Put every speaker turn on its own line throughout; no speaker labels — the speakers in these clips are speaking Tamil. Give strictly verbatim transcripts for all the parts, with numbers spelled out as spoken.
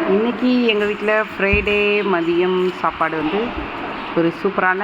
இன்றைக்கி எங்கள் வீட்டில் ஃப்ரைடே மதியம் சாப்பாடு வந்து ஒரு சூப்பரான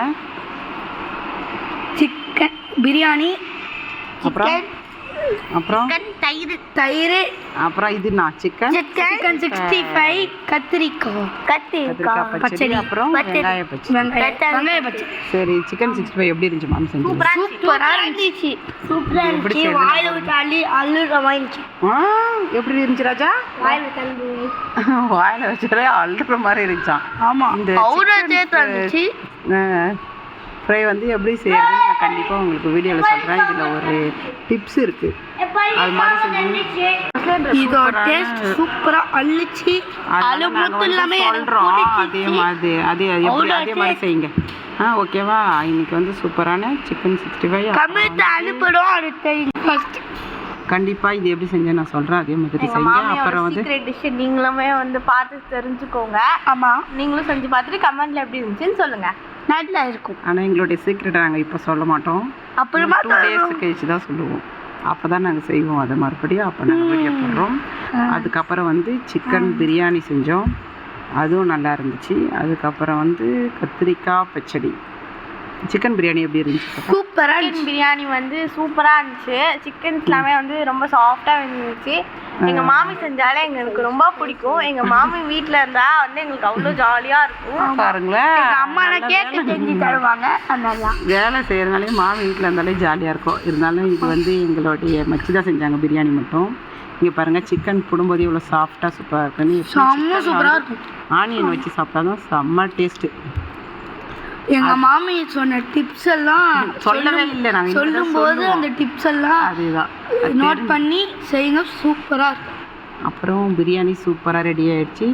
சிக்கன் பிரியாணி,
அப்புறம் அப்புறம்
தயிர் தயிர்
அப்புறம் இது நான் சிக்கன்
சிக்கன் சிக்ஸ்டி ஃபைவ் கத்திரிக்காய்
கத்திரிக்காய் பச்சடி, அப்புறம் வெங்காய பச்சடி
வெங்காய பச்சடி.
சரி, சிக்கன் சிக்ஸ்டி ஃபைவ் எப்படி இருந்துச்சு மாம் செஞ்சு?
சூப்பராக இருந்துச்சு. சூப்பராக இருந்துச்சு. வாயில் விட்டு அள்ளி அள்ளுற வாங்கிச்சு.
ஆ எப்படி இருந்துச்சு ராஜா?
வாயில் தந்து
வாயில் வச்சாலே அள்ளுற மாதிரி இருந்துச்சான்.
ஆமாம்,
இந்த
இருந்துச்சு.
ஃப்ரை வந்து எப்படி செய்யறதுன்னு நான் கண்டிப்பாக உங்களுக்கு வீடியோவில் சொல்கிறேன். இதில் ஒரு டிப்ஸ் இருக்குது, அது மாதிரி செஞ்சு
இதோட டேஸ்ட் சூப்பராக அள்ளிச்சு. அது மட்டும் இல்லாமல்
சொல்கிறோம், அதே மாதிரி அதே எப்படி அதே மாதிரி செய்யுங்க. ஆ ஓகேவா? இன்னைக்கு வந்து சூப்பரான சிக்கன் சிக்ஸ்டி ஃபைவ்
கமெண்ட் அனுப்பிடும். அடுத்த ஃபர்ஸ்ட்
கண்டிப்பாக இது எப்படி செஞ்சேன் நான் சொல்கிறேன், அதே மாதிரி செய்யுங்க. அப்புறம் வந்து
சீக்ரெட் டிஷ் நீங்களுமே வந்து பார்த்து தெரிஞ்சுக்கோங்க.
ஆமாம்,
நீங்களும் செஞ்சு பார்த்துட்டு கமெண்ட்ல எப்படி இருந்துச்சுன்னு சொல்லுங்கள்.
நல்லா இருக்கும்.
ஆனால் எங்களுடைய சீக்ரெட்டை நாங்கள் இப்போ சொல்ல மாட்டோம்.
அப்புறமா
டூ டேஸ் கழிச்சு தான் சொல்லுவோம். அப்போ தான் நாங்கள் செய்வோம் அதை மறுபடியும். அப்போ நாங்கள் வீடியோ போடுறோம். அதுக்கப்புறம் வந்து சிக்கன் பிரியாணி செஞ்சோம், அதுவும் நல்லா இருந்துச்சு. அதுக்கப்புறம் வந்து கத்திரிக்காய் பச்சடி. சிக்கன் பிரியாணி எப்படி இருந்துச்சு?
சூப்பராக
சிக்கன் பிரியாணி வந்து சூப்பராக இருந்துச்சு. சிக்கன்ஸ் எல்லாமே வந்து ரொம்ப சாஃப்டாக இருந்துச்சு. எங்கள் மாமி செஞ்சாலே எங்களுக்கு ரொம்ப பிடிக்கும். எங்கள் மாமி வீட்டில் இருந்தால் வந்து எங்களுக்கு அவ்வளோ ஜாலியாக இருக்கும்.
பாருங்களேன்,
அம்மா கேட்டு செஞ்சு தருவாங்க. அதனால
வேலை செய்கிறதுனாலே மாமி வீட்டில் இருந்தாலே ஜாலியாக இருக்கும். இருந்தாலும் இது வந்து எங்களுடைய மச்சி தான் செஞ்சாங்க பிரியாணி மட்டும். இங்கே பாருங்கள், சிக்கன் போடும்போது இவ்வளோ சாஃப்டாக சூப்பராக இருக்குன்னு.
செம்ம சூப்பராக இருக்கும்.
ஆனியன் வச்சு சாப்பிட்டா தான் செம்ம டேஸ்ட்டு.
எங்கள் மாமி சொன்ன டிப்ஸ் எல்லாம்
சொல்லவே இல்லை, நாங்கள்
சொல்லும்போது அந்த டிப்ஸ் எல்லாம்
அதுதான்
நோட் பண்ணி செய்யுங்க. சூப்பராக இருக்கும்.
அப்புறம் பிரியாணி சூப்பராக ரெடி ஆகிடுச்சு.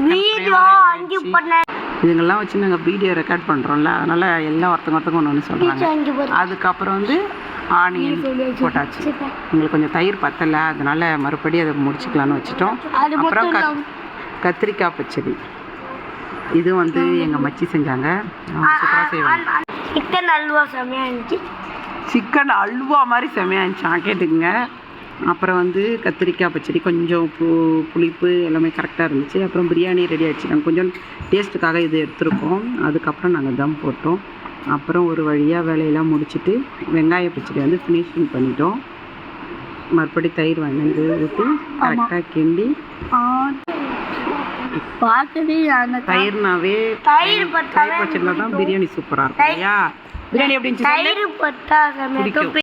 இதுங்கெல்லாம் வச்சு நாங்கள் வீடியோ ரெக்கார்ட் பண்ணுறோம்ல, அதனால் எல்லாம் ஒருத்தங்க ஒருத்தங்க ஒன்று ஒன்று சொல்கிறாங்க. அதுக்கப்புறம் வந்து ஆனியன் போட்டாச்சு. எங்களுக்கு கொஞ்சம் தயிர் பத்தலை, அதனால் மறுபடியும் அதை முடிச்சுக்கலான்னு வச்சுட்டோம். அப்புறம் கத் கத்திரிக்காய் பச்சடி இது வந்து எங்கள் மச்சி செஞ்சாங்க. அவங்க சூப்பராக செய்வாங்க.
சிக்கன் அல்வா செம்மையாக இருந்துச்சு.
சிக்கன் அல்வா மாதிரி செம்மையாக இருந்துச்சு, கேட்டுக்குங்க. அப்புறம் வந்து கத்திரிக்காய் பச்சடி கொஞ்சம் உப்பு புளிப்பு எல்லாமே கரெக்டாக இருந்துச்சு. அப்புறம் பிரியாணி ரெடி ஆகிடுச்சு. நாங்கள் கொஞ்சம் டேஸ்ட்டுக்காக இது எடுத்துருக்கோம். அதுக்கப்புறம் நாங்கள் தம் போட்டோம். அப்புறம் ஒரு வழியாக வேலையெல்லாம் முடிச்சுட்டு வெங்காய பச்சடி வந்து ஃபினிஷிங் பண்ணிட்டோம். மறுபடி தயிர் வாங்கி ஊற்றி கரெக்டாக கிண்டி தயிர்னாவே தயிர் பச்சடியில் தான் பிரியாணி சூப்பராக இருக்கும் இல்லையா? பிரியாணி எப்படி இருந்துச்சு?
தயிர் பட்டா